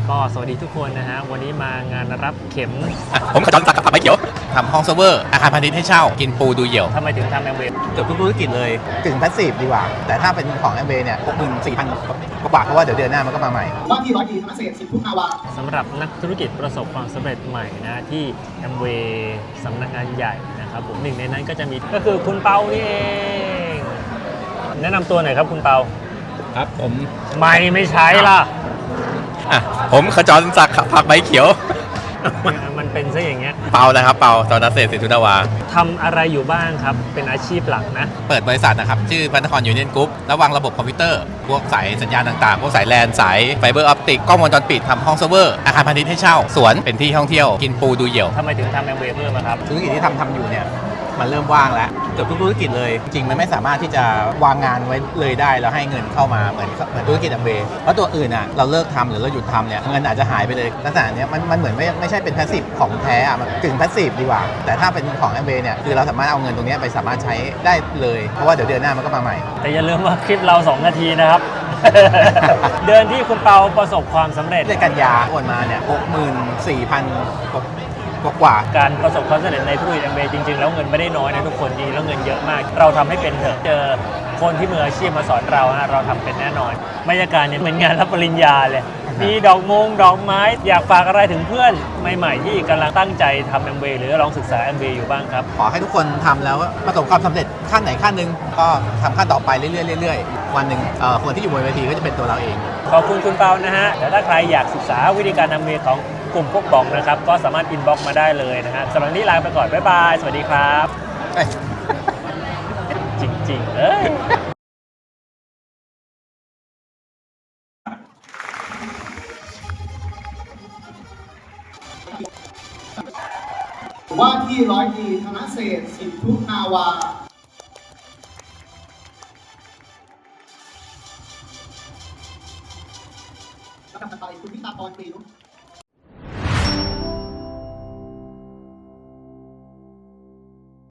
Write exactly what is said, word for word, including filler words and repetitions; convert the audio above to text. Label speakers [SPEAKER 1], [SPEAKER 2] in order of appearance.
[SPEAKER 1] ก็สวัสดีทุกคนนะฮะวันนี้มางานรับเข็ม
[SPEAKER 2] ผมขจรศักดิ์ขับไม้เขียวทำห้องเซิร์ฟเวอร์อาคารพาณิชย์ให้เช่ากินปูดูเหยี่ยว
[SPEAKER 1] ทำไมถึงทำแอมเวย์
[SPEAKER 2] เกือบทุกธุรกิจเลย
[SPEAKER 3] กึ่งแพสซีฟดีกว่าแต่ถ้าเป็นของแอมเวย์เนี่ยหกหมื่นสี่พันกว่าบาทเพราะว่าเดี๋ยวเดือนหน้ามันก็มาใหม่
[SPEAKER 4] ว่าที่ร้อยดีธนเศรษฐ์สิทธิพุทธาวา
[SPEAKER 1] สำหรับนักธุรกิจประสบความสำเร็จใหม่นะที่แอมเวย์สำนักงานใหญ่นะครับผมหนึ่งในนั้นก็จะมีก็คือคุณเปานี่เองแนะนำตัวหน่อยครับคุณเปา
[SPEAKER 2] ครับผม
[SPEAKER 1] ไม่ไม่ใช้ล่ะ
[SPEAKER 2] อ่ะผมขจรศักดิ์ผักใบเขียว
[SPEAKER 1] มันเป็นซะอย่างเงี้ย
[SPEAKER 2] เปานะครับเปาตอนนักเศรษฐศิลปุณาวา
[SPEAKER 1] ทำอะไรอยู่บ้างครับเป็นอาชีพหลักนะ
[SPEAKER 2] เปิดบริษัทนะครับชื่อพันธครยูเนียนกรุ๊ประวางระบบคอมพิวเตอร์พวกสายสัญญาณต่างๆพวกสายแลนสายไฟเบอร์ออปติกกล้องวงจรปิดทำห้องเซิร์ฟเวอร์อาคารพาณิชย์ให้เช่าสวนเป็นที่ท่องเที่ยวกินปูดูเหยี่ยว
[SPEAKER 1] ทำไมถึงทำแอมเวย์เพิ่มครับ
[SPEAKER 3] ธุรกิจที่ทำทำอยู่เนี่ยมันเริ่มว่างแล้ว
[SPEAKER 2] เกือบทุกธุรกิจเลย
[SPEAKER 3] จริงมันไม่สามารถที่จะวางงานไว้เลยได้แล้วให้เงินเข้ามาเหมือนเหมือนธุรกิจแอมเวย์เพราะตัวอื่นอ่ะเราเลิกทำหรือเราหยุดทำเนี่ยเงินอาจจะหายไปเลยลักษณะนี้มันมันเหมือนไม่ไม่ใช่เป็นแพสซีฟของแท้อ่ะมันกึ่งแพสซีฟดีกว่าแต่ถ้าเป็นของแอมเวย์เนี่ยคือเราสามารถเอาเงินตรงนี้ไปสามารถใช้ได้เลยเพราะว่าเดี๋ยวเดือนหน้ามันก็มาใหม่
[SPEAKER 1] แต่อย่าลืมว่าคลิปเราสองนาทีนะครับ เดือนที่คุณเปาประสบความสำเร็จ
[SPEAKER 3] เดือนกันยาโอนมาเนี่ยหกหมื่นสี่พันกว่า
[SPEAKER 1] การประสบความสำเร็จในธุรกิจแอมเวย์จริงๆแล้วเงินไม่ได้น้อยนะทุกคนดีแล้วเงินเยอะมากเราทำให้เป็นเถอะเจอคนที่มืออาชีพมาสอนเราฮะเราทำเป็นแน่นอนบรรยากาศเนี่ยเหมือนงานรับปริญญาเลยมีดอกมงดอกไม้อยากฝากอะไรถึงเพื่อนใหม่ๆที่กำลังตั้งใจทำแอมเวย์หรือลองศึกษาแอมเวย์อยู่บ้างครับ
[SPEAKER 3] ขอให้ทุกคนทำแล้วประสบความสำเร็จขั้นไหนขั้นหนึ่งก็ทำขั้นต่อไปเรื่อยๆเรื่อยๆวันหนึ่งคนที่อยู่บนเวทีก็จะเป็นตัวเราเอง
[SPEAKER 1] ขอบคุณคุณเปานะฮะแต่ถ้าใครอยากศึกษาวิธีการแอมเวย์ของกลุ่มพวกบองนะครับก็สามารถอินบ็อกซ์มาได้เลยนะฮะสำหรับนี้ลาไปก่อนบ๊ายบายสวัสดีครับจริงๆเลย
[SPEAKER 4] ว่าที่ร้อยดีธนเศรษฐ์สิทธิพุทธาวาแล้วกลับมาไปคุณพิตาพรปีนุ